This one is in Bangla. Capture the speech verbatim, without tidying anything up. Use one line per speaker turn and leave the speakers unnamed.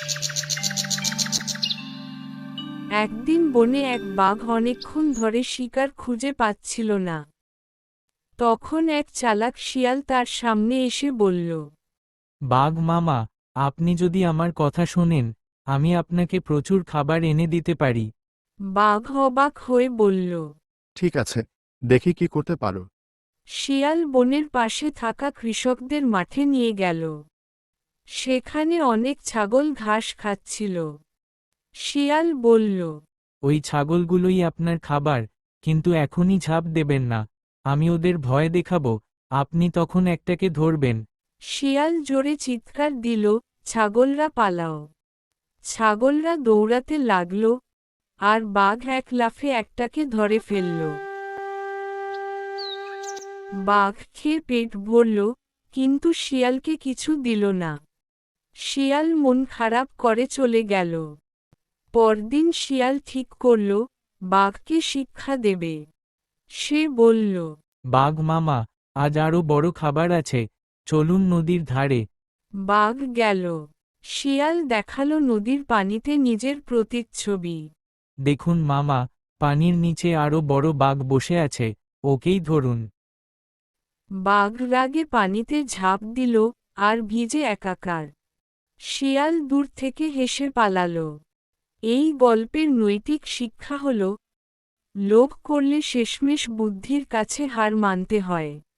একদিন বনে এক বাঘ অনেকক্ষণ ধরে শিকার খুঁজে পাচ্ছিল না। তখন এক চালাক শিয়াল তার সামনে এসে বলল,
বাঘ মামা, আপনি যদি আমার কথা শোনেন, আমি আপনাকে প্রচুর খাবার এনে দিতে পারি।
বাঘ অবাক হয়ে বলল।
ঠিক আছে, দেখি কি করতে পারো।
শিয়াল বনের পাশে থাকা কৃষকদের মাঠে নিয়ে গেল। সেখানে অনেক ছাগল ঘাস খাচ্ছিল। শিয়াল বলল,
ওই ছাগলগুলোই আপনার খাবার, কিন্তু এখনই ঝাঁপ দেবেন না, আমি ওদের ভয় দেখাবো, আপনি তখন একটাকে ধরবেন।
শিয়াল জোরে চিৎকার দিল, ছাগলরা পালাও। ছাগলরা দৌড়াতে লাগল, আর বাঘ এক লাফে একটাকে ধরে ফেলল। বাঘ খেয়ে পেট ভরল, কিন্তু শিয়ালকে কিছু দিল না। শিয়াল মন খারাপ করে চলে গেল। পরদিন শিয়াল ঠিক করল, বাঘকে শিক্ষা দেবে। সে বলল,
বাঘ মামা, আজ আরও বড় খাবার আছে, চলুন নদীর ধারে।
বাঘ গেল। শিয়াল দেখালো নদীর পানিতে নিজের প্রতিচ্ছবি।
দেখুন মামা, পানির নিচে আরও বড় বাঘ বসে আছে, ওকেই ধরুন।
বাঘ রাগে পানিতে ঝাঁপ দিল, আর ভিজে একাকার। শিয়াল দূর থেকে হেসে পালালো। এই গল্পের নৈতিক শিক্ষা হল, লোভ করলে শেষমেশ বুদ্ধির কাছে হার মানতে হয়।